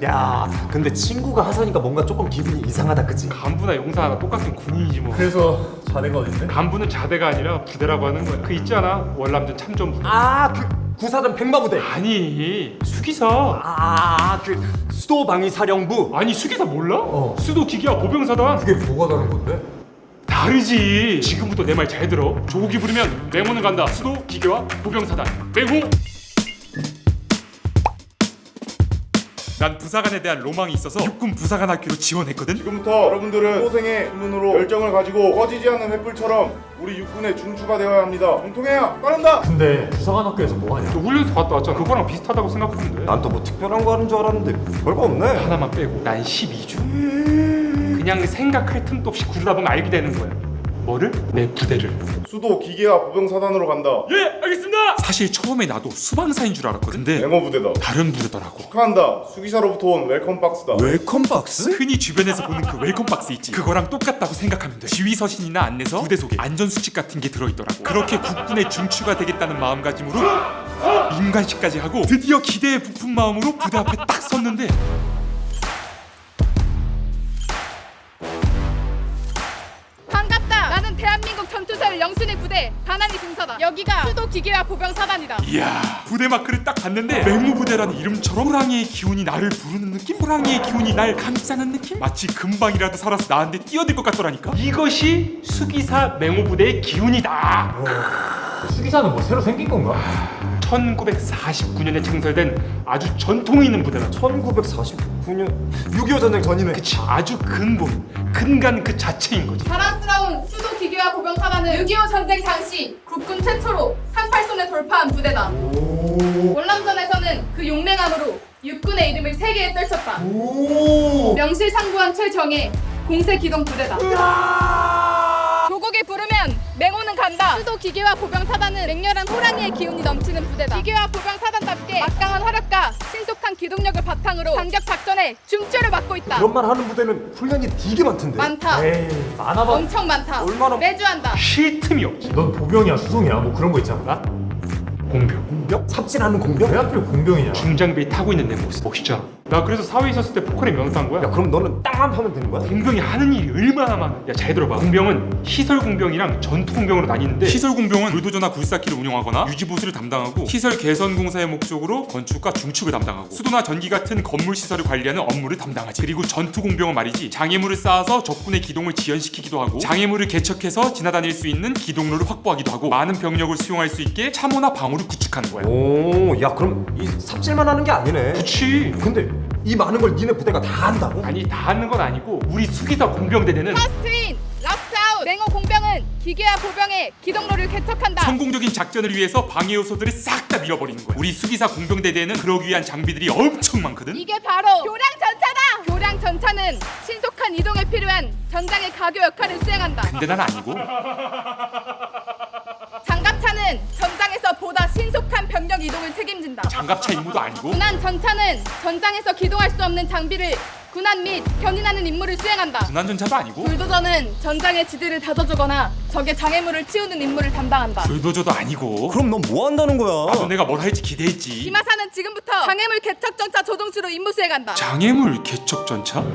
야 근데 친구가 하사니까 뭔가 조금 기분이 이상하다 그치? 간부나 용사나 똑같은 군인이지 뭐. 그래서 자네가 어딘데? 간부는 자대가 아니라 부대라고 하는 거야. 그 있잖아 월남전 참전부대. 그 구사단 백마부대. 아니 수기사. 그 수도방위사령부. 아니 수기사 몰라? 어. 수도 기계와 보병사단. 그게 뭐가 다른 건데? 다르지. 지금부터 내 말 잘 들어. 조국이 부르면 맹호는 간다. 수도 기계와 보병사단 맹호. 난 부사관에 대한 로망이 있어서 육군 부사관 학교로 지원했거든. 지금부터 여러분들은 소생의 주문으로 열정을 가지고 꺼지지 않는 횃불처럼 우리 육군의 중추가 되어야 합니다. 공통해야 빠른다. 근데 부사관 학교에서 뭐하냐? 너 훈련소 갔다 왔잖아. 그거랑 비슷하다고 생각하면 돼. 난 또 뭐 특별한 거 하는 줄 알았는데 별거 없네. 하나만 빼고 난 12주. 그냥 생각할 틈도 없이 구르다 보면 알게 되는 거야. 뭐를? 내 부대를. 수도 기계와 보병사단으로 간다. 예, 알겠습니다. 사실 처음에 나도 수방사인 줄 알았거든. 근데 맹호 부대다. 다른 부대더라고. 축하한다. 수기사로부터 온 웰컴 박스다. 웰컴 박스? 흔히 주변에서 보는 그 웰컴 박스 있지. 그거랑 똑같다고 생각하면 돼. 지휘 서신이나 안내서, 부대 소개, 안전 수칙 같은 게 들어있더라고. 그렇게 국군의 중추가 되겠다는 마음가짐으로 임관식까지 하고 드디어 기대에 부푼 마음으로 부대 앞에 딱 섰는데 반갑다. 나는 대한민국 전투사를 영순의 부대 반환이 중사다. 여기가 수도 기계와 보병 사단이다. 이야, 부대 마크를 딱 봤는데 맹무 부대라는 이름처럼 호랑이의 기운이 나를 부르는 느낌? 호랑이의 기운이 날 감싸는 느낌? 마치 금방이라도 살아서 나한테 뛰어들 것 같더라니까. 이것이 수기사 맹호 부대의 기운이다. 수기사는 뭐 새로 생긴 건가? 1949년에 창설된 아주 전통이 있는 부대다. 1949년 6.25 전쟁 전이네. 그치, 아주 근간 그 자체인 거지. 자랑스러운 수도 기계와 보병 사단은 6.25 전쟁 당시 국군 최초로 38선에 돌파한 부대다. 월남전에서는 그 용맹함으로 육군의 이름을 세계에 떨쳤다. 명실상부한 최정예 공세 기동 부대다. 조국이 부르면 맹호는 간다. 수도 기계와 보병 사단은 맹렬한 호랑이의 기운이 넘치는 부대다. 기계와 보병 사단답게 막강한 화력과 신속한 기동력을 바탕으로 반격 작전에 중추를 맡고 있다. 그런 말 하는 부대는 훈련이 되게 많던데. 많다. 에이 많아봐. 엄청 많다. 얼마나- 매주 한다. 쉴 틈이 없지. 넌 보병이야 수송이야 뭐 그런 거 있지 않나? 공병. 공병? 삽질하는 공병? 왜 하필 공병이냐? 중장비에 타고 있는 내 모습 멋있잖아. 나 그래서 사회에 있었을 때 포커리 명탄 거야. 야 그럼 너는 땅 하면 되는 거야? 공병이 하는 일이 얼마나 많아. 야 잘 들어봐. 공병은 시설 공병이랑 전투 공병으로 나뉘는데, 시설 공병은 불도저나 굴삭기를 운영하거나 유지 보수를 담당하고, 시설 개선 공사의 목적으로 건축과 중축을 담당하고, 수도나 전기 같은 건물 시설을 관리하는 업무를 담당하지. 그리고 전투 공병은 말이지, 장애물을 쌓아서 적군의 기동을 지연시키기도 하고, 장애물을 개척해서 지나다닐 수 있는 기동로를 확보하기도 하고, 많은 병력을 수용할 수 있게 참호나 방어를 구축하는 거야. 오, 야 그럼 이 삽질만 하는 게 아니네. 그치. 근데 이 많은 걸 니네 부대가 다 한다고? 아니 다 하는 건 아니고, 우리 수기사 공병대대는 퍼스트인, 락스아웃. 맹호 공병은 기계와 보병의 기동로를 개척한다. 성공적인 작전을 위해서 방해 요소들을 싹 다 밀어버리는 거야. 우리 수기사 공병대대에는 그러기 위한 장비들이 엄청 많거든. 이게 바로 교량 전차다. 교량 전차는 신속한 이동에 필요한 전장의 가교 역할을 수행한다. 근데 난 아니고. 장갑차는 전장에서 보다 신속한 병력 이동을 책임진다. 장갑차 임무도 아니고. 군안 전차는 전장에서 기동할 수 없는 장비를 군안 및 견인하는 임무를 수행한다. 군안전차도 아니고. 불도저는 전장의 지대를 다져주거나 적의 장애물을 치우는 임무를 담당한다. 불도저도 아니고. 그럼 넌 뭐 한다는 거야? 나도 내가 뭘 할지 기대했지. 기마사는 지금부터 장애물 개척 전차 조종수로 임무 수행한다. 장애물 개척 전차?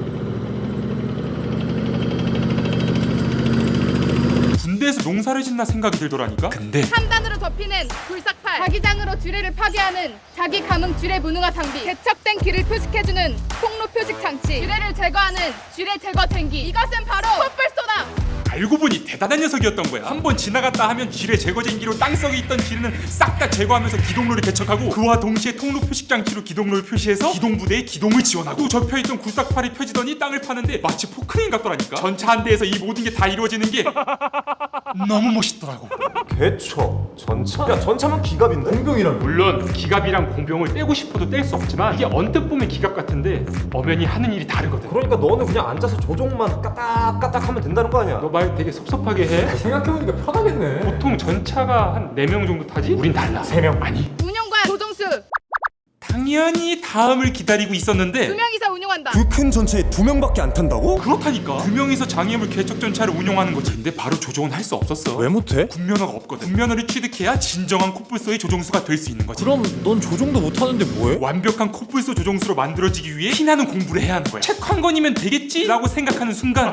군대에서 농사를 짓나 생각이 들더라니까. 근데 3단으로 접히는 굴삭팔, 자기장으로 쥐레를 파괴하는 자기 감응 쥐레 무능화 장비, 개척된 길을 표식해주는 통로 표식 장치, 쥐레를 제거하는 쥐레 제거 쟁기. 이것은 바로 촛불소다. 알고 보니 대단한 녀석이었던 거야. 한번 지나갔다 하면 지뢰 제거쟁기로 땅속에 있던 지뢰는 싹 다 제거하면서 기동로를 개척하고, 그와 동시에 통로 표식 장치로 기동로를 표시해서 기동부대의 기동을 지원하고, 또 접혀있던 굴삭팔이 펴지더니 땅을 파는데 마치 포크레인 같더라니까. 전차 한 대에서 이 모든 게 다 이루어지는 게 너무 멋있더라고. 개척 전차? 야 전차면 기갑인데? 공병이란 물론 기갑이랑 공병을 떼고 싶어도 뗄 수 없지만, 이게 언뜻 보면 기갑 같은데 엄연히 하는 일이 다르거든. 그러니까 너는 그냥 앉아서 조종만 까딱까딱 하면 된다는 거 아니야? 너 말 되게 섭섭하게 해. 생각해보니까 편하겠네. 보통 전차가 한 4명 정도 타지? 우린 달라. 3명. 아니, 운영관 조종수. 당연히 다음을 기다리고 있었는데 2명이서 운용한다. 그 큰 전체에 2명밖에 안 탄다고? 그렇다니까. 2명이서 장애물 개척 전차를 운용하는 거지. 근데 바로 조종은 할 수 없었어. 왜 못해? 군면허가 없거든. 군면허를 취득해야 진정한 코뿔소의 조종수가 될 수 있는 거지. 그럼 넌 조종도 못하는데 뭐해? 완벽한 코뿔소 조종수로 만들어지기 위해 피나는 공부를 해야 하는 거야. 책 한 권이면 되겠지? 라고 생각하는 순간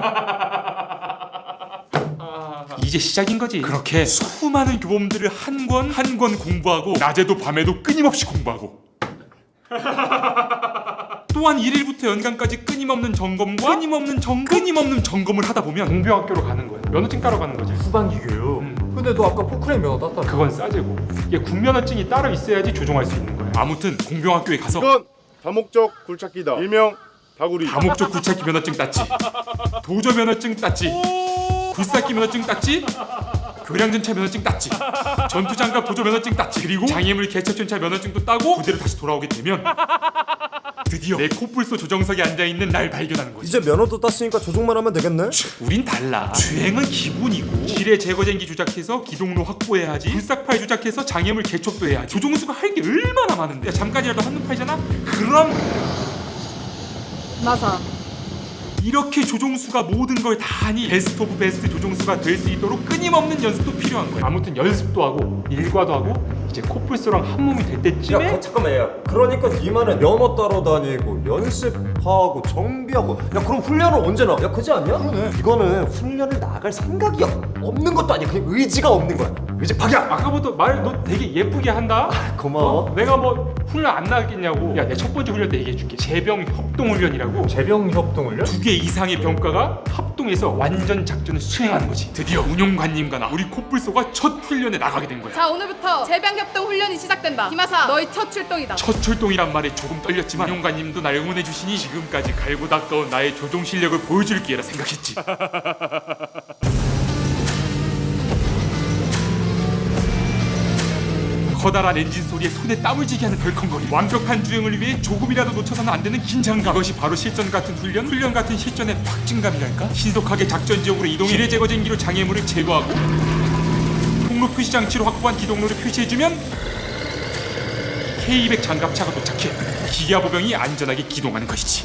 이제 시작인 거지. 그렇게 수많은 교범들을 한 권 한 권 공부하고 낮에도 밤에도 끊임없이 공부하고 또한 1일부터 연간까지 끊임없는 점검과 끊임없는 점검을 하다 보면 공병학교로 가는 거야. 면허증 따러 가는 거지. 후반기 교육. 근데 너 아까 포크레인 면허 땄다며. 그건 싸제고 이게 군면허증이 따로 있어야지 조종할 수 있는 거야. 아무튼 공병학교에 가서 이건 다목적 굴착기다. 일명 다구리. 다목적 굴착기 면허증 땄지. 도저 면허증 땄지. 굴삭기 면허증 땄지. 교량전차 면허증 땄지. 전투장갑 도저 면허증 땄지. 그리고 장애물 개척전차 면허증도 따고 부대로 다시 돌아오게 되면 드디어 내 코뿔소 조정석에 앉아있는 날 발견하는 거지. 이제 면허도 땄으니까 조종만 하면 되겠네? 우린 달라. 주행은 기본이고 길에 제거쟁기 조작해서 기동로 확보해야 하지. 불삭파에 조작해서 장애물 개척도 해야지. 조종수가 할 게 얼마나 많은데. 야, 잠깐이라도 한눈 팔잖아? 그럼 나사. 이렇게 조종수가 모든 걸 다 하니 베스트 오브 베스트 조종수가 될 수 있도록 끊임없는 연습도 필요한 거야. 아무튼 연습도 하고 일과도 하고 이제 코뿔소랑 한 몸이 될 때쯤에 잠깐만 야 그러니까 네 말은 면허 따러 다니고 연습하고 정비하고 야 그럼 훈련을 언제 나? 야 그지 않냐? 그러네. 이거는 훈련을 나갈 생각이 없는 것도 아니야. 그냥 의지가 없는 거야. 의지 박약. 아까부터 말 너 되게 예쁘게 한다. 고마워. 내가 뭐 훈련 안 나겠냐고. 야 내 첫 번째 훈련 때 얘기해줄게. 제병 협동 훈련이라고. 재병 협동 훈련? 2개 이상의 병과가 합동해서 완전 작전을 수행하는 거지. 드디어 운용관님과 나 우리 코뿔소가 첫 훈련에 나가게 된 거야. 자, 오늘부터 제병협동 훈련이 시작된다. 김하사, 너희 첫 출동이다. 첫 출동이란 말에 조금 떨렸지만 운용관님도 날 응원해 주시니 지금까지 갈고 닦아온 나의 조종 실력을 보여줄 기회라 생각했지. 커다란 엔진 소리에 손에 땀을 쥐게 하는 덜컹거림, 완벽한 주행을 위해 조금이라도 놓쳐서는 안 되는 긴장감. 이것이 바로 실전 같은 훈련 같은 실전의 확증감이랄까? 신속하게 작전 지역으로 이동해 지뢰 제거쟁기로 장애물을 제거하고 통로 표시 장치로 확보한 기동로를 표시해주면 K200 장갑차가 도착해 기아보병이 안전하게 기동하는 것이지.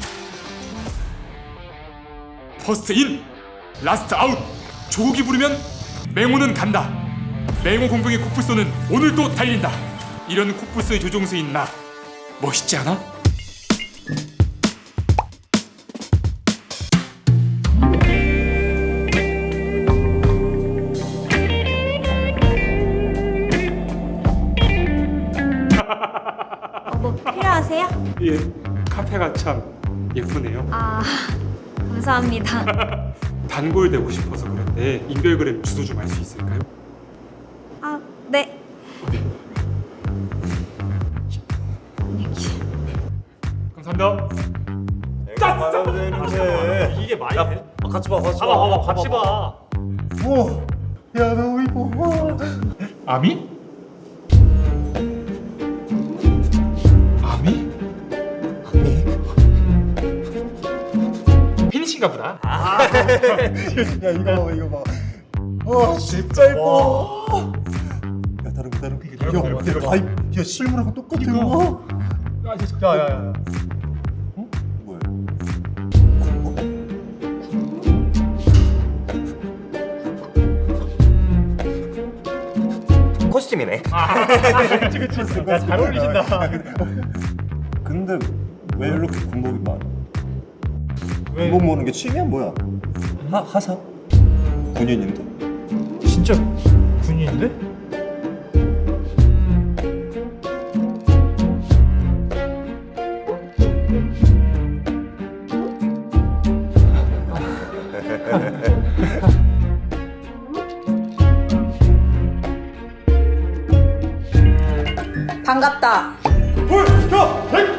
퍼스트 인, 라스트 아웃. 조국이 부르면 맹호는 간다. 맹호 공병의 코뿔소는 오늘도 달린다. 이런 코뿔소의 조종수인 나 멋있지 않아? 뭐 필요하세요? 예, 카페가 참 예쁘네요. 아, 감사합니다. 단골 되고 싶어서 그런데 인별그램 주소 좀 알 수 있을까요? 아, 네. 감사합니다. 내가 말하면 되는데 이게 많이 야 돼? 같이 봐 같이 봐봐 같이 봐. 야너 이거 아미? 아미? 팬이신가 보다. 야 이거 봐. 진짜 예뻐. 야 다른 거. 야 실물하고 똑같아. 야야야. 뭐야? 코스튬이네. 그치. 잘 어울리신다. 근데 왜 이렇게 군복이 많아? 왜? 군복 모으는 게 취미야 뭐야? 하사? 군인인데? 진짜 군인인데? 반갑다. 야!